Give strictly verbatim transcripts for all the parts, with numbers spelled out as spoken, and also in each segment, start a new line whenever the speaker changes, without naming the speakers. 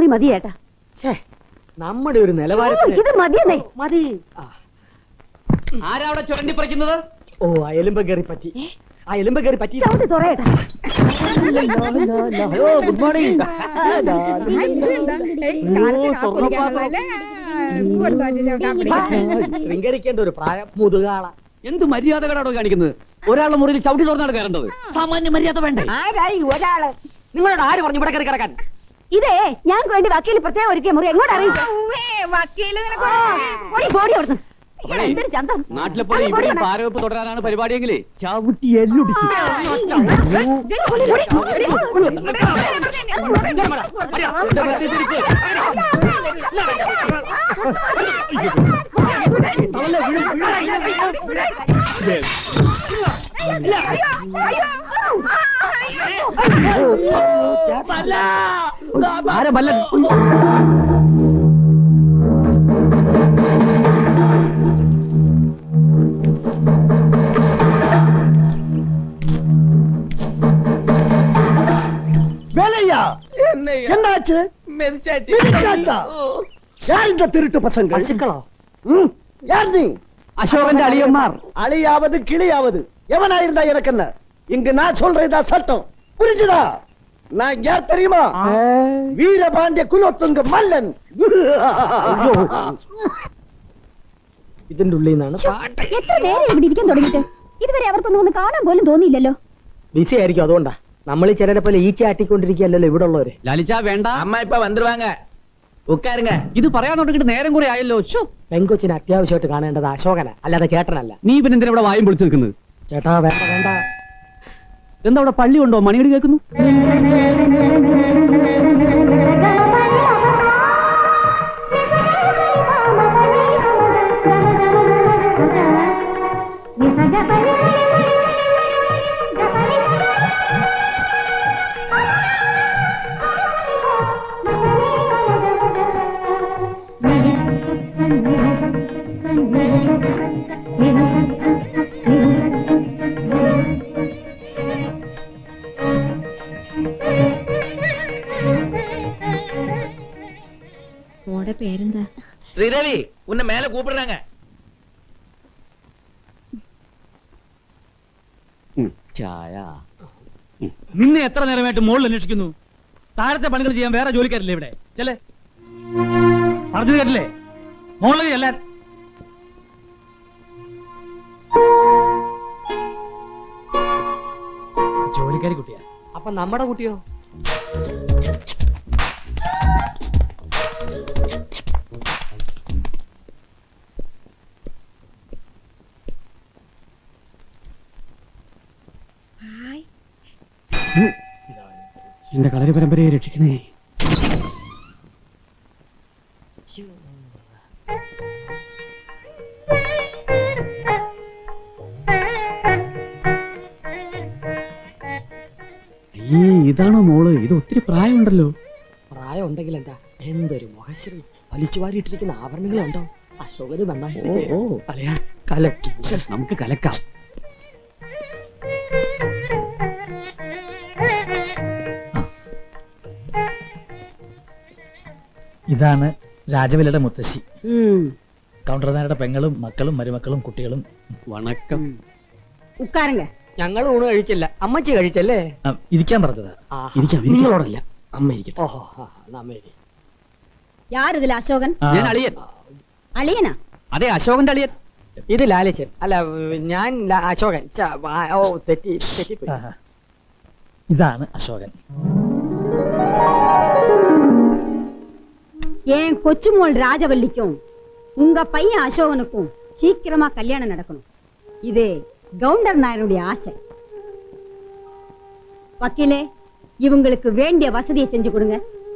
മതി മതി ഏട്ടാ.
നമ്മുടെ ഒരു നിലവാരത്തിൽ
ഇത് മതിയെന്നേ.
മതി.
ആരാ അവിടെ ചുരണ്ടി പറിക്കുന്നത്?
ഓ ആ എലുമ്പ കയറി പറ്റി, ആ എലുമ്പ കയറി പറ്റി.
ചവിട്ടി തുറയേട്ടാ.
Good morning. ശൃംഗരിക്കേണ്ട ഒരു പ്രായം, മുതുകാള.
എന്ത് മര്യാദകളാണോ കാണിക്കുന്നത്? ഒരാളുടെ മുറിയിൽ ചവിട്ടി തുറന്നാണ് കയറേണ്ടത്. സാമാന്യ മര്യാദ വേണ്ടേ?
ആരായി ഒരാള്? നിങ്ങളോട് ആര് പറഞ്ഞു ഇവിടെ കയറി കിടക്കാൻ?
ഇതേ ഞങ്ങൾക്ക് വേണ്ടി വക്കീൽ പ്രത്യേകം ഒരുക്കിയ മുറി എങ്ങോട്ട് അറിയിക്കും? എന്തൊരു ചന്തം.
നാട്ടിലെ പോലെ ഇവിടെ പാരവെപ്പ് തുടരാനാണ് പരിപാടിയെങ്കിലേ
ചവിട്ടി എല്ലൊടിക്കും.
ആരെ ബല്ലൻ?
என்னாச்சு? யார் இந்த திருட்டு பசங்க? பசுக்களா? யார் நீ?
அசோகன் அழியம்மார்.
அழியாவது கிளியாவது எவனாயிருந்தா எனக்கு என்ன? இங்கு நான் சொல்றதா சட்டம், புரிஞ்சுதா? நான் யார் தெரியுமா? வீரபாண்டிய குலோத்துங்க மல்லன். ഇതിന്റെ ഉള്ളിൽ നിന്നാണ് പാട്ട്.
എത്ര നേരം ഇവിടെ ഇരിക്കാൻ തുടങ്ങിയിട്ട് ഇതുവരെ അവർക്കൊന്നും ഒന്ന് കാണാൻ പോലും തോന്നിയില്ലല്ലോ.
ബിസി ആയിരിക്കും, അതുകൊണ്ടാ. നമ്മൾ ചിലരെ പോലെ ഈച്ച ആട്ടിക്കൊണ്ടിരിക്കുകയല്ലോ ഇവിടെ ഉള്ളവര്.
ലലിച്ച വേണ്ട,
അമ്മ ഇപ്പൊ വന്നിരുവാങ്ക, ഉക്കാരുങ്ക.
ഇത് പറയാൻ തുടങ്ങിട്ട് നേരം കൂടെ ആയല്ലോ.
പെങ്കൊച്ചിന് അത്യാവശ്യമായിട്ട് കാണേണ്ടത് അശോകന, അല്ലാതെ ചേട്ടനല്ല.
നീ പിന്നെ എന്തിനാ ഇവിടെ വായും പൊളിച്ചു നിൽക്കുന്നത്?
ചേട്ടാ വേണ്ട വേണ്ട.
എന്താ അവിടെ പള്ളി ഉണ്ടോ? മണിയടി കേൾക്കുന്നു.
പേരെന്താ?
ശ്രീദേവി, ഉന്നെ മേലെ കൂപ്പിടുறாங்க.
ചായ. നിന്നെ എത്ര നേരമായിട്ട് മുകളിൽ അന്വേഷിക്കുന്നു? താഴത്തെ പണികൾ ചെയ്യാൻ വേറെ ജോലിക്കാരില്ലേ ഇവിടെ? ചെല്ലേ, പറഞ്ഞു കേട്ടില്ലേ? മുകളിൽ ചെല്ലാൻ. ജോലിക്കാരി കുട്ടിയാ.
അപ്പൊ നമ്മുടെ കുട്ടിയോ?
എന്റെ കളരി പരമ്പരയെ രക്ഷിക്കണേ. അയ്യേ, ഇതാണോ മോള്? ഇത് ഒത്തിരി പ്രായമുണ്ടല്ലോ.
പ്രായം ഉണ്ടെങ്കിൽ എന്താ, എന്തൊരു മുഖശ്രീ. വലിച്ചു വാരിയിട്ടിരിക്കുന്ന ആഭരണങ്ങളുണ്ടോ? അശോകന് നന്നായിട്ട് കലക്കി.
നമുക്ക് കലക്കാം.
ഇതാണ് രാജവിലയുടെ മുത്തശ്ശി. കൗണ്ടർനാരുടെ പെങ്ങളും മക്കളും മരുമക്കളും കുട്ടികളും.
വണക്കം.
ഉക്കാരങ്ക.
ഞങ്ങൾ ഊണ് കഴിച്ചില്ല, അമ്മച്ചി കഴിച്ചല്ലേ?
ഇരിക്കാൻ പറഞ്ഞതാ.
ഇരിക്കാം. നിങ്ങളോടല്ല, അമ്മ ഇരിക്കട്ടെ.
ഓഹോ, അമ്മ ഇരി.
യാരിതിൽ അശോകൻ?
ഞാൻ അളിയൻ.
അളിയനാ?
അതെ, അശോകന്റെ അളിയൻ.
ഇത് ലാലിച്ചൻ. അല്ല, ഞാൻ അശോകൻ. ഓ, തെറ്റി തെറ്റിപ്പോയി.
ഇതാണ് അശോകൻ.
ஏன் கொச்சுமோள் ராஜவல்லிக்கும் உங்க பையன் அசோகனுக்கும் சீக்கிரமா கல்யாணம் நடக்கணும். இது கவுண்டர் நாயருடைய ஆசை. வக்கீலே, இவங்களுக்கு வேண்டிய வசதியை செஞ்சு கொடுங்க.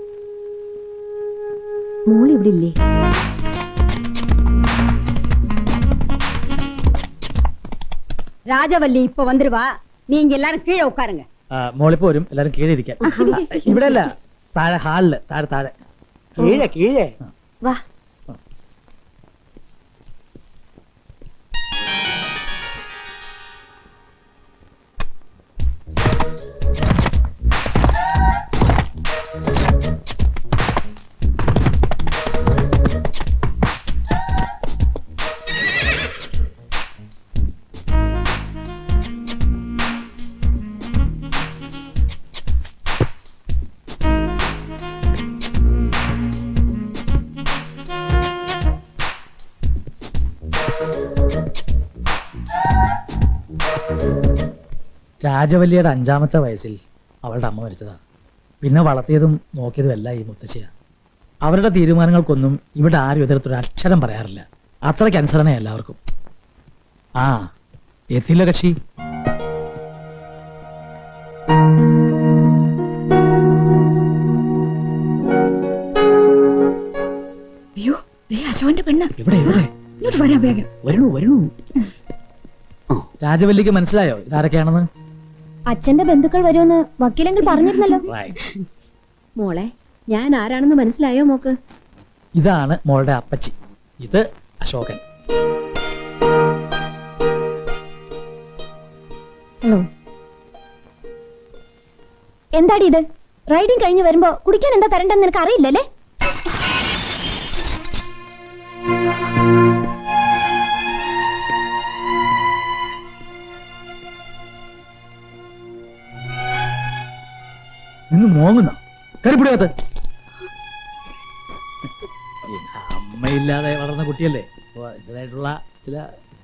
மூளை இப்படி இல்லையே. ராஜவல்லி இப்ப வந்துருவா. நீங்க எல்லாரும் கீழே உட்காருங்க.
മോളിപ്പോ വരും, എല്ലാരും കീഴെ ഇരിക്കാൻ. ഇവിടെ അല്ല, താഴെ ഹാളില്. താഴെ താഴെ
കീഴെ കീഴെ
വാ.
രാജവല്ലിയുടെ അഞ്ചാമത്തെ വയസ്സിൽ അവളുടെ അമ്മ മരിച്ചതാ. പിന്നെ വളർത്തിയതും നോക്കിയതും എല്ലാം ഈ മുത്തശ്ശിയാ. അവരുടെ തീരുമാനങ്ങൾക്കൊന്നും ഇവിടെ ആരും എതിർത്തൊരു അക്ഷരം പറയാറില്ല. അത്രയ്ക്ക് അനുസരണ എല്ലാവർക്കും. ആ എത്തില്ല കക്ഷി.
അയ്യോ ദേ അശോകന്റെ പെണ്ണ്
ഇവിടെ ഇവിടെ
ഇങ്ങോട്ട് വരാൻ വേഗം.
വരണു വരണു. രാജവല്ലിക്ക് മനസ്സിലായോ ഇതാരൊക്കെയാണെന്ന്?
അച്ഛന്റെ ബന്ധുക്കൾ വരുമെന്ന് വക്കീലെങ്കിൽ പറഞ്ഞിരുന്നല്ലോ.
മോളെ ഞാൻ ആരാണെന്ന് മനസ്സിലായോ മോക്ക്?
ഇതാണ് മോളുടെ അപ്പച്ചി. ഇത് അശോകൻ.
എന്താടി ഇത്? റൈഡിങ് കഴിഞ്ഞ് വരുമ്പോ കുടിക്കാൻ എന്താ തരണ്ടെന്ന് നിനക്ക് അറിയില്ലല്ലേ?
നിന്ന് മോങ്ങുന്ന കരിപ്പിടിയാത്ത അമ്മയില്ലാതെ വളർന്ന കുട്ടിയല്ലേ. അപ്പൊ അതിൻ്റെതായിട്ടുള്ള ചില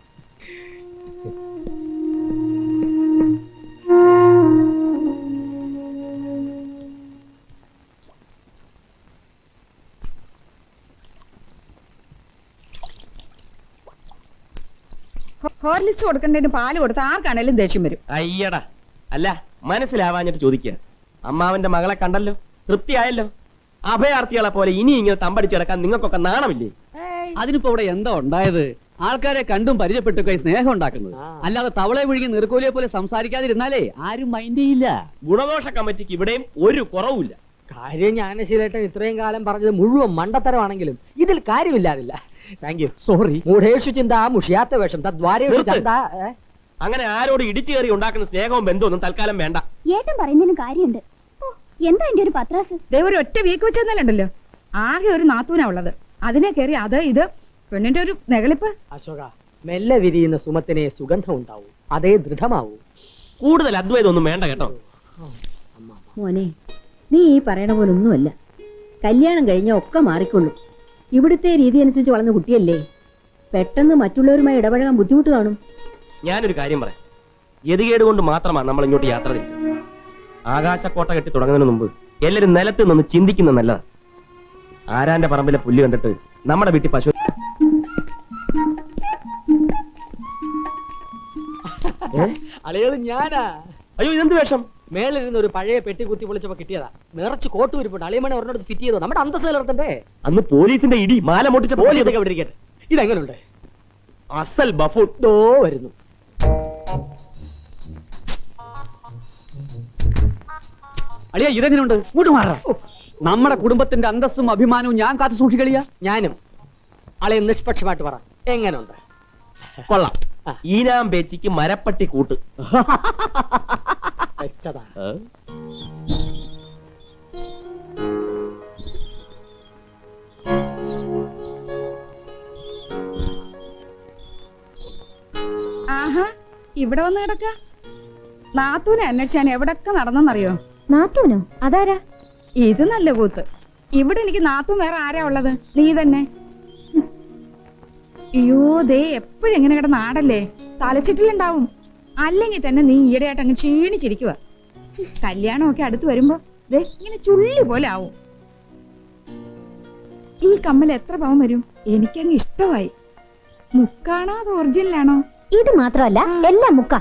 ഹോർലിക്സ് കൊടുക്കേണ്ടതിന് പാല് കൊടുത്ത് ആർക്കാണേലും ദേഷ്യം വരും.
അയ്യടാ അല്ല മനസ്സിലാവാഞ്ഞിട്ട് ചോദിക്കുക. അമ്മാവന്റെ മകളെ കണ്ടല്ലോ, തൃപ്തിയായല്ലോ. അഭയാർത്ഥികളെ പോലെ ഇനി ഇങ്ങനെ തമ്പടിച്ചു കിടക്കാൻ നിങ്ങൾക്കൊക്കെ നാണമില്ലേ?
അതിനിപ്പോ ഇവിടെ എന്താ ഉണ്ടായത്? ആൾക്കാരെ കണ്ടും പരിചയപ്പെട്ടൊക്കെ സ്നേഹം ഉണ്ടാക്കുന്നത്, അല്ലാതെ തവളെ വിഴുങ്ങി നീർക്കോലിയെ പോലെ സംസാരിക്കാതിരുന്നാലേ ആരും മൈൻഡ് ചെയ്യില്ല.
ഗുണദോഷ കമ്മിറ്റിക്ക് ഇവിടെയും ഒരു കുറവുമില്ല.
കാര്യം ജ്ഞാനശീലേട്ടൻ ഇത്രയും കാലം പറഞ്ഞത് മുഴുവൻ മണ്ടത്തരമാണെങ്കിലും ഇതിൽ കാര്യമില്ലാതില്ല. Thank you. സോറി. മൂഢേഷു ചിന്ത മുഷിയാത്ത വേഷം തദ്വാരേഷു ചന്ത.
അങ്ങനെ ആരോട് ഇടിച്ചു കയറി ഉണ്ടാക്കുന്ന സ്നേഹവും ബന്ധമൊന്നും തൽക്കാലം വേണ്ട.
ഏട്ടൻ പറയുന്നതിന് കാര്യമുണ്ട്. എന്താ എന്റെ ഒരു പത്രാസ്?
ദേ ഒരു ഒറ്റ വീക്ക് വെച്ചെന്നല്ലുണ്ടല്ലോ. ആകെ ഒരു നാത്തൂനാ ഉള്ളത്. അതിനെ കയറി അത് ഇത് പെണ്ണിന്റെ ഒരു നെകളിപ്പ്.
അശോക, മെല്ലെ വിരിയുന്ന സുമത്തിനെ സുഗന്ധം ഉണ്ടാവൂ, അതേ ദൃഢമാവൂ.
കൂടുതൽ അദ്വൈതം ഒന്നും വേണ്ട കേട്ടോ.
മോനെ നീ ഈ പറയണ പോലെ ഒന്നുമല്ല. കല്യാണം കഴിഞ്ഞ ഒക്കെ മാറിക്കൊള്ളും. ഇവിടുത്തെ രീതി അനുസരിച്ച് വളർന്ന കുട്ടിയല്ലേ. പെട്ടെന്ന് മറ്റുള്ളവരുമായി ഇടപഴകാൻ ബുദ്ധിമുട്ട് കാണും.
ഞാനൊരു കാര്യം പറയാം. ഗതികേട് കൊണ്ട് മാത്രമാണ് നമ്മൾ ഇങ്ങോട്ട് യാത്ര തിരിച്ചത്. ആകാശക്കോട്ട കെട്ടി തുടങ്ങുന്നതിന് മുമ്പ് എല്ലാവരും നിലത്ത് നിന്ന് ചിന്തിക്കുന്ന നല്ലതാ. ആരാന്റെ പറമ്പിലെ പുല്ല് കണ്ടിട്ട് നമ്മുടെ വീട്ടിൽ പശു
അലയത് ഞാനാ.
അയ്യോ ഇതെന്ത് വേഷം?
മേളിരുന്ന് ഒരു പഴയ പെട്ടി കുത്തി പൊളിച്ചപ്പോ കിട്ടിയതാ. നിറച്ച് കോട്ട് ഉരുപ്പുണ്ട്. അളിയമണി ഒരെണ്ണത്ത് ഫിറ്റ് ചെയ്തോ. നമ്മുടെ അന്തസ് നിലർത്തണ്ടേ.
അന്ന് പോലീസിന്റെ ഇടി മാല പൊട്ടിച്ച
പോലീസൊക്കെ വിട്ടിരിക്കട്ടെ. ഇതെങ്ങനെയുണ്ട്?
അസൽ ബഫൂൺ.
ദോ വരുന്നു.
അളിയ ഇതെങ്ങനെയുണ്ട്? ഇങ്ങോട്ട് മാറാം. നമ്മുടെ കുടുംബത്തിന്റെ അന്തസ്സും അഭിമാനവും ഞാൻ കാത്തു സൂക്ഷിക്കളിയ.
ഞാനും. അളയെ നിഷ്പക്ഷമായിട്ട് പറ, എങ്ങനെയുണ്ട്?
കൊള്ളാം. ഈനാം പേച്ചിക്ക് മരപ്പട്ടി കൂട്ട്
വെച്ചതാ.
ആഹാ ഇവിടെ വന്ന് കിടക്ക. നാത്തൂനെ അന്വേഷിച്ചാൻ എവിടൊക്കെ നടന്നെന്നറിയോ?
നാത്തൂനോ? അതാരാ?
ഇത് നല്ല കൂത്ത്. ഇവിടെ എനിക്ക് നാത്തൂൻ വേറെ ആരാ ഉള്ളത്? നീ തന്നെ. അയ്യോ ദേ എപ്പോഴും എങ്ങനെ കിടന്ന് ആടല്ലേ. തലച്ചിട്ടിലുണ്ടാവും. അല്ലെങ്കിൽ തന്നെ നീ ഈയിടെയായിട്ട് അങ്ങ് ക്ഷീണിച്ചിരിക്കുക. കല്യാണമൊക്കെ അടുത്ത് വരുമ്പോ ദേ ഇങ്ങനെ ചുള്ളി പോലെ ആവും. ഈ കമ്മൽ എത്ര പവൻ വരും? എനിക്കങ്ങ് ഇഷ്ടമായി. മുക്കാണോ അത് ഒറിജിനലാണോ?
ഇത് മാത്രമല്ല, എല്ലാം മുക്കാം.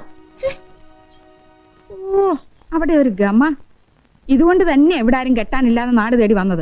ഓ അവിടെ ഒരു ഗമ. ഇതുകൊണ്ട് തന്നെ എവിടെ ആരും കെട്ടാനില്ലാതെ നാട് തേടി വന്നത്.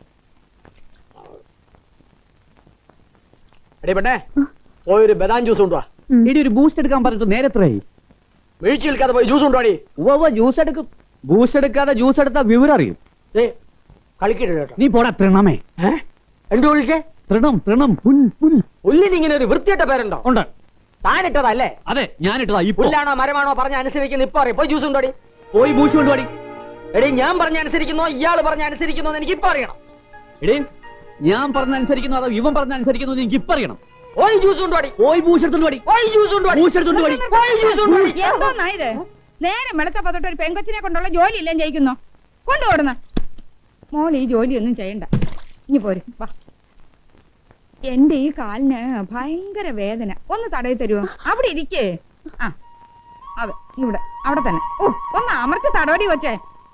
എടീ പെണ്ണേ, പോയൊരു ബദാം ജ്യൂസ് കൊണ്ടുവാ.
ഇടി ഒരു ബൂസ്റ്റ് എടുക്കാൻ പറഞ്ഞിട്ട് നേരത്രയായി.
വീഴ്ച നിൽക്കാതെ പോയി ജ്യൂസ് കൊണ്ടുവാടി.
ഉവ്വ ജ്യൂസ് എടുക്കും. ബൂസ്റ്റ് എടുക്കാതെ ജ്യൂസ് എടുത്താൽ വിവരം അറിയും.
കളിക്കരുത് കേട്ടോ.
നീ പോടാ തൃണമേ.
എന്തു വിളിക്കേ?
തൃണം തൃണം പുൽ പുൽ.
പുല്ലിന് ഇങ്ങനെ ഒരു വൃത്തിയിട്ട പേരുണ്ടോ?
ഉണ്ട്.
താനിട്ടതല്ലേ?
അതെ ഞാനിട്ടതാ. ഈ
പുല്ലാണോ മരമാണോ പറഞ്ഞ അനുസരിക്കുന്ന ഇപ്പൊ അറിയാം. പോയി ജ്യൂസ് കൊണ്ടുവാടി.
പോയി ബൂസ്റ്റ് കൊണ്ടുപാടി.
എടീ ഞാൻ പറഞ്ഞ അനുസരിക്കുന്നോ ഇയാള് പറഞ്ഞ അനുസരിക്കുന്നോ എനിക്ക് ഇപ്പൊ അറിയണം.
എടേ ഞാൻ പറഞ്ഞ അനുസരിക്കുന്നു അതോ ഇവൻ പറഞ്ഞ അനുസരിക്കുന്നു എനിക്ക് ഇപ്പൊ അറിയണം.
പോയി ജ്യൂസ് കൊണ്ടുവാടി.
പോയി ബൂസ്റ്റ് എടുത്തോണ്ട് പാടി.
പോയി ജ്യൂസ് കൊണ്ടുവാടി.
ബൂസ്റ്റ് എടുത്തോണ്ട് പാടി.
പോയി ജ്യൂസ് കൊണ്ടുവാടി.
എന്തോന്നായത്? നേരെ വെളുത്തപ്പോ തൊട്ട് ഒരു പെങ്കൊച്ചിനെ കൊണ്ടുള്ള ജോലി ഇല്ലേ ജയിക്കുന്നോ? കൊണ്ടുപോടുന്ന മോൾ ഈ ജോലിയൊന്നും ചെയ്യണ്ട. ഇനി പോരും വാ. എന്റെ ഈ കാലിന് ഭയങ്കര വേദന. ഒന്ന് തടയി തരുമോ? അവിടെ ഇരിക്കേ. ആ അതെ ഇവിടെ അവിടെ തന്നെ ഓ ഒന്ന് അമർത്തി തടവടി കൊച്ചേ.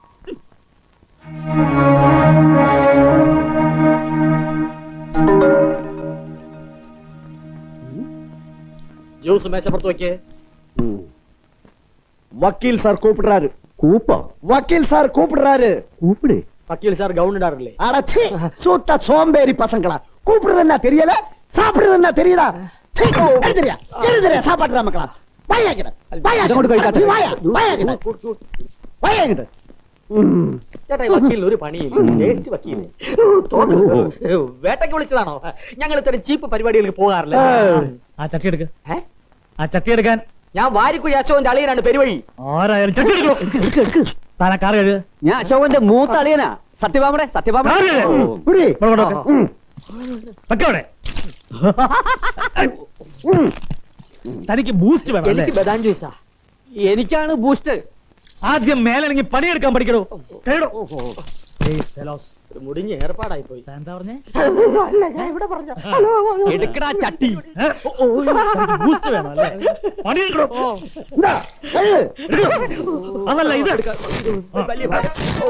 ജ്യൂസ് മേശപ്പുറത്ത് വെക്കേ.
வக்கீல் சார் கூப்பிடுறாரு.
കൂപ്പോ
வக்கீல் சார் கூப்பிடுறாரு.
കൂപ്പിട്
വക്കീൽ സാർ ഗൗൺ ഇടാറില്ലേ?
அடச்சி சூத்த சோம்பேறி பசங்களா. கூப்பிடுறதுன்னா தெரியல, சாப்பிடுறதுன்னா தெரியுதா? சீ, எழுதுறியா எழுதுறியா சாப்பாடுற மக்களா. வாயாக்கிட வாயாக்கிட வாயா வாயாக்கிட വായാകിട്ട്.
ചേട്ടാ ഈ വക്കീലിന് ഒരു പണിയില്ല. ടേസ്റ്റ് വക്കീല് വേട്ടയ്ക്ക് വിളിച്ചതാണോ? ഞങ്ങൾ ഇത്തരം ചീപ്പ് പരിപാടികൾക്ക് പോകാറില്ല.
ആ ചട്ടി എടുക്ക.
ഏ?
ആ ചട്ടി എടുക്കാൻ.
ഞാൻ വാരിക്കുഴി അശോകന്റെ അളിയനാണ് പെരുവഴി.
ആരായാലും ചട്ടി എടുക്കൂ. താൻ ആ കാർ കഴുകുക.
ഞാൻ അശോകന്റെ മൂത്ത അളിയനാ. സത്യഭാമടെ സത്യഭാമ
புடி.
വെക്കവിടെ. തനിക്ക് ബൂസ്റ്റ് വേണം അല്ലേ?
എനിക്ക് ബദാം ജ്യൂസാ.
എനിക്കാണ് ബൂസ്റ്റ്.
ആദ്യം മേലണെങ്കിൽ പണിയെടുക്കാൻ പഠിക്കണോ. കേടോ.
ഒരു മുടിഞ്ഞ ഏർപ്പാടായി പോയി.
എന്താ പറഞ്ഞേ?
എടുക്കടാ ചട്ടി.
ബൂസ്റ്റ് വേണം അല്ലേ? പണിയെടുക്കണോ.
இந்தா, எழுது.
അതല്ല ഇത്.
വലിയ ഭയം. ഓ.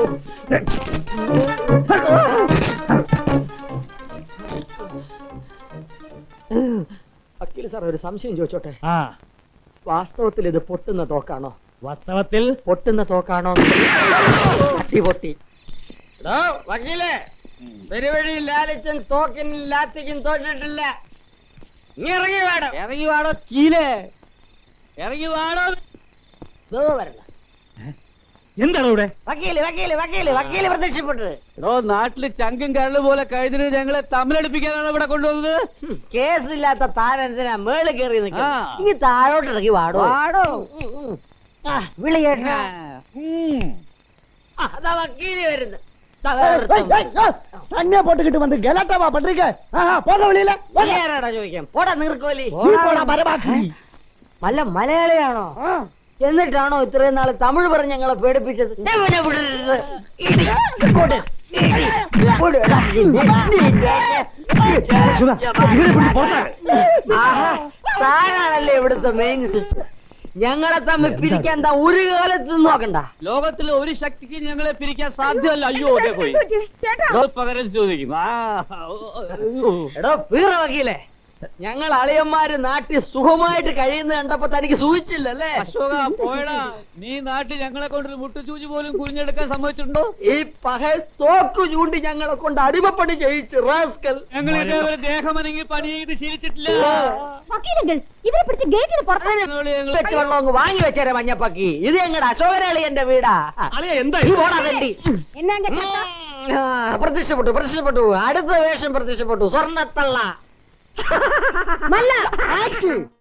വക്കീൽ സാർ ഒരു സംശയം ചോദിച്ചോട്ടെ?
ആ
വാസ്തവത്തിൽ ഇത് പൊട്ടുന്ന തോക്കാണോ?
വാസ്തവത്തിൽ
പൊട്ടുന്ന തോക്കാണോ? പൊട്ടി പൊട്ടി. വക്കീലേ, പെരുവഴി ലാലിച്ചൻ തോക്കിനും ലാത്തിക്കും തോറ്റിട്ടില്ല. നീ ഇറങ്ങി വാടോ.
ഇറങ്ങി വാടോ കീലേ. ഇറങ്ങി വാടോ.
വരണ്ട.
എന്താണ് ഇവിടെ?
വക്കീല് വക്കീല് വക്കീല് വക്കീല് പ്രത്യക്ഷപ്പെട്ടത്.
എടോ നാട്ടില് ചങ്കും കരള് പോലെ കഴിഞ്ഞ ഞങ്ങളെ തമ്മിലടിപ്പിക്കാനാണ് ഇവിടെ കൊണ്ടുവന്നത്.
കേസില്ലാത്ത താനെന്തിനാ മേളിൽ കയറി നിൽക്കുക?
ആ.
ഈ താഴോട്ട് ഇറങ്ങി വാടോ.
വാടോ.
വിളി കേട്ടോ. അതാ വക്കീല് വരുന്നത്.
ஏய், ஏய், ஏய், தண்ணியை போட்டுக்கிட்டு வந்து கலாட்டாவா பண்றீங்க? ஆஹா, போக வெளியில.
ആരാടാ ചോദിക്കാം? പോടാ നീർക്കോലി.
நீ போடா மரபாக்கி.
നല്ല മലയാളിയാണോ? എന്നിട്ടാണോ ഇത്രയും നാള് തമിഴ് പറഞ്ഞ് ഞങ്ങളെ പേടിപ്പിച്ചത്? എവനെ വിടരുത്. ഇടി. കൊട്. ഇടി. കൊട്. ആഹാ, താനാണല്ലേ ഇവിടുത്തെ മെയിൻ സ്വിച്ച്. ഞങ്ങളെ തമ്മിൽ പിരിക്കാൻ എന്താ ഒരു കാലത്ത് നോക്കണ്ട.
ലോകത്തിലെ ഒരു ശക്തിക്ക് ഞങ്ങളെ പിരിക്കാൻ സാധ്യമല്ല. അയ്യോ അതെ പോയി.
ചേട്ടാ
എടോ, പകരം ചോദിക്കും. ആ,
എടോ വീറ വക്കീലേ, ഞങ്ങൾ അളിയന്മാര് നാട്ടിൽ സുഖമായിട്ട് കഴിയുന്ന കണ്ടപ്പോ തനിക്ക് സൂചിച്ചില്ലല്ലേ?
അശോക പോയടാ. നീ നാട്ടിൽ ഞങ്ങളെ കൊണ്ടൊരു മുട്ടുചൂചി പോലും കുഴിഞ്ഞെടുക്കാൻ സമ്മതിച്ചിട്ടുണ്ടോ?
ഈ പകൽ തോക്കു ചൂണ്ടി ഞങ്ങളെ കൊണ്ട് അടിമപ്പണി ചെയ്യിച്ച് റാസ്കൽ.
ഞങ്ങൾ ഇതേപോലെ ദേഹമനങ്ങി പണി ചെയ്ത് ശീലിച്ചിട്ടില്ല.
വക്കീലെങ്കിൽ ഇവരെ പിടിച്ച് ഗേറ്റിന് പുറത്ത്
ഞങ്ങളോട് ഞങ്ങൾ
വെച്ച് വെള്ളം അങ്ങ് വാങ്ങി വെച്ചേരെ മഞ്ഞപ്പക്കി. ഇത് ഞങ്ങളുടെ അശോകരളിയന്റെ വീടാ.
എന്താ
ഈ പോടാ തണ്ടി. ആ, പ്രത്യക്ഷപ്പെട്ടു പ്രത്യക്ഷപ്പെട്ടു. അടുത്ത വേഷം പ്രത്യക്ഷപ്പെട്ടു. സ്വർണ്ണത്തള്ള.
நல்ல ஆக்ஷன்.